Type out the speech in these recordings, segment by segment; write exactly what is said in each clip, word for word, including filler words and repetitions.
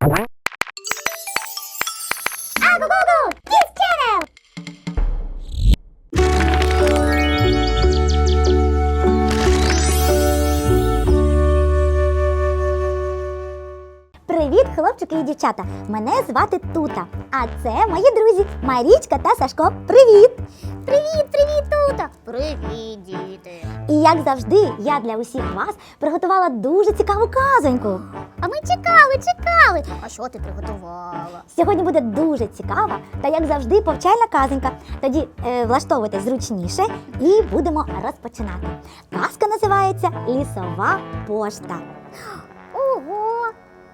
Агу-гу-гу! Kids Channel! Привіт, хлопчики і дівчата! Мене звати Тута, а це мої друзі Марічка та Сашко. Привіт! Привіт, привіт, Тута! Привіт, діти! І як завжди, я для усіх вас приготувала дуже цікаву казоньку. А ми чекали, чекали! А що ти приготувала? Сьогодні буде дуже цікава та, як завжди, повчальна казонька. Тоді е, влаштовуйтесь зручніше і будемо розпочинати. Казка називається «Лісова пошта». Ого!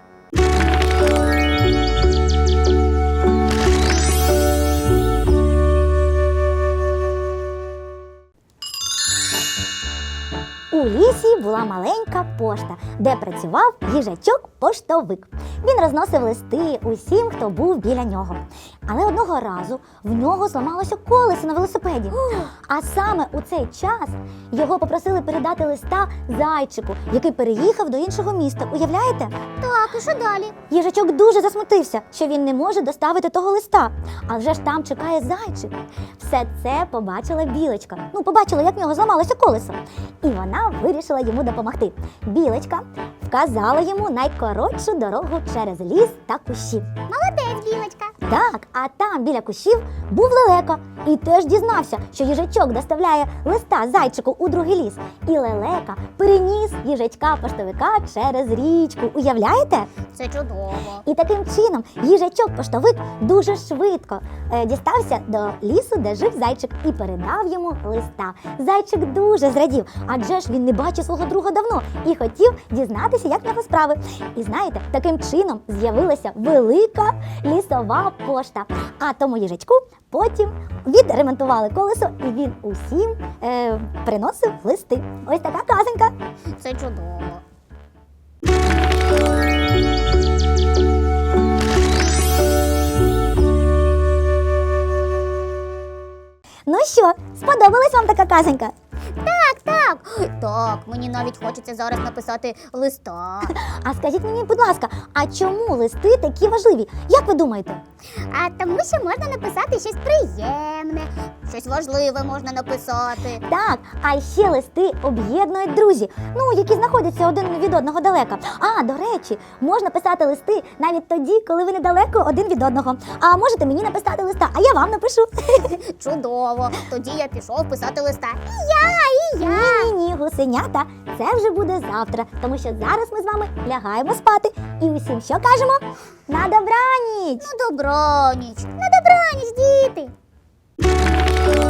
У лісі була маленька пошта, де працював їжачок-поштовик. Він розносив листи усім, хто був біля нього. Але одного разу в нього зламалося колесо на велосипеді. А саме у цей час його попросили передати листа зайчику, який переїхав до іншого міста. Уявляєте? Так, і що далі? Їжачок дуже засмутився, що він не може доставити того листа. А вже ж там чекає зайчик. Все це побачила білочка. Ну, побачила, як в нього зламалося колесо. І вона вирішила йому допомогти. Білочка вказала йому найкоротшу дорогу через ліс та кущі. Молодець, білочка! Так, а там біля кущів був лелека і теж дізнався, що їжачок доставляє листа зайчику у другий ліс. І лелека переніс їжачка-поштовика через річку. Уявляєте? Це чудово! І таким чином їжачок-поштовик дуже швидко е, дістався до лісу, де жив зайчик, і передав йому листа. Зайчик дуже зрадів, адже ж він не бачив свого друга давно і хотів дізнатися, як в нього справи. І знаєте, таким чином з'явилася велика лісова пошта. А тому їжачку потім відремонтували колесо, і він усім е, приносив листи. Ось така казонька. Це чудово! Ну що, сподобалась вам така казонька? Так, так! Так, мені навіть хочеться зараз написати листа. А скажіть мені, будь ласка, а чому листи такі важливі? Як ви думаєте? А тому що можна написати щось приємне, щось важливе можна написати. Так, а ще листи об'єднують друзі, ну, які знаходяться один від одного далеко. А, до речі, можна писати листи навіть тоді, коли ви недалеко один від одного. А можете мені написати листа, а я вам напишу. Чудово! Тоді я пішов писати листа. І я, і я! Ні-ні-ні, гусенята, це вже буде завтра, тому що зараз ми з вами лягаємо спати. І усім що кажемо? На добраніч! На добраніч! На добраніч, діти!